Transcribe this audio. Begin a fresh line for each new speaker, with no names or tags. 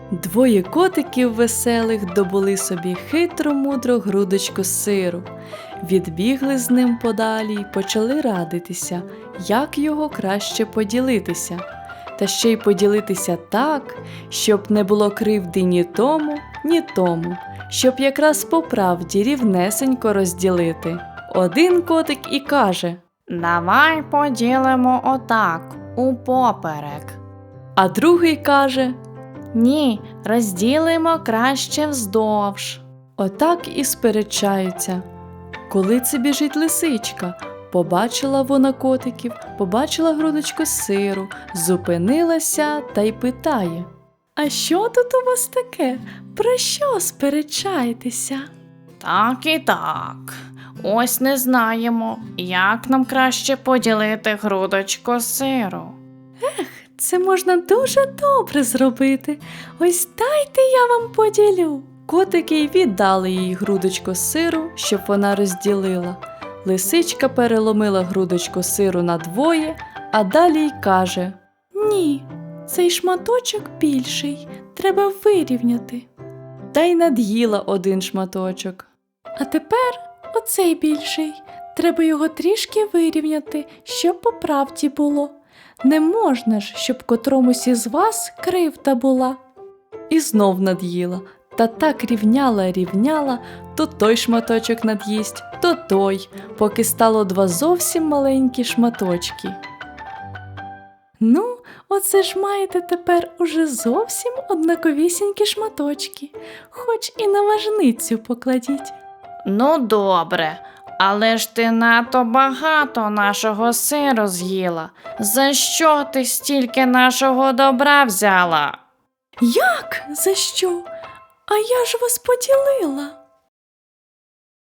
Двоє котиків веселих добули собі хитро-мудро грудочку сиру. Відбігли з ним подалі й почали радитися, як його краще поділитися. Та ще й поділитися так, щоб не було кривди ні тому, щоб якраз по правді рівнесенько розділити. Один котик і каже:
Давай поділимо отак, упоперек.
а другий каже:
Ні, розділимо краще вздовж.
отак і сперечаються. Коли це біжить лисичка, побачила вона котиків, побачила грудочку сиру, зупинилася та й питає: а що тут у вас таке? Про що сперечаєтеся?
Так і так. Ось не знаємо, як нам краще поділити грудочку сиру.
Це можна дуже добре зробити. Ось дайте я вам поділю. Котики й віддали їй грудочку сиру, щоб вона розділила. Лисичка переломила грудочку сиру надвоє, а далі й каже: ні, цей шматочок більший, треба вирівняти. Та й над'їла один шматочок. А тепер оцей більший, треба його трішки вирівняти, щоб по правді було. Не можна ж, щоб котромусь із вас кривда була. І знов над'їла, та так рівняла, то той шматочок над'їсть, то той, поки стало два зовсім маленькі шматочки. Ну, оце ж маєте тепер уже зовсім однаковісінькі шматочки, хоч і на важницю покладіть.
Ну добре, але ж ти надто багато нашого сиру з'їла. За що ти стільки нашого добра взяла?
Як? За що? А я ж вас поділила.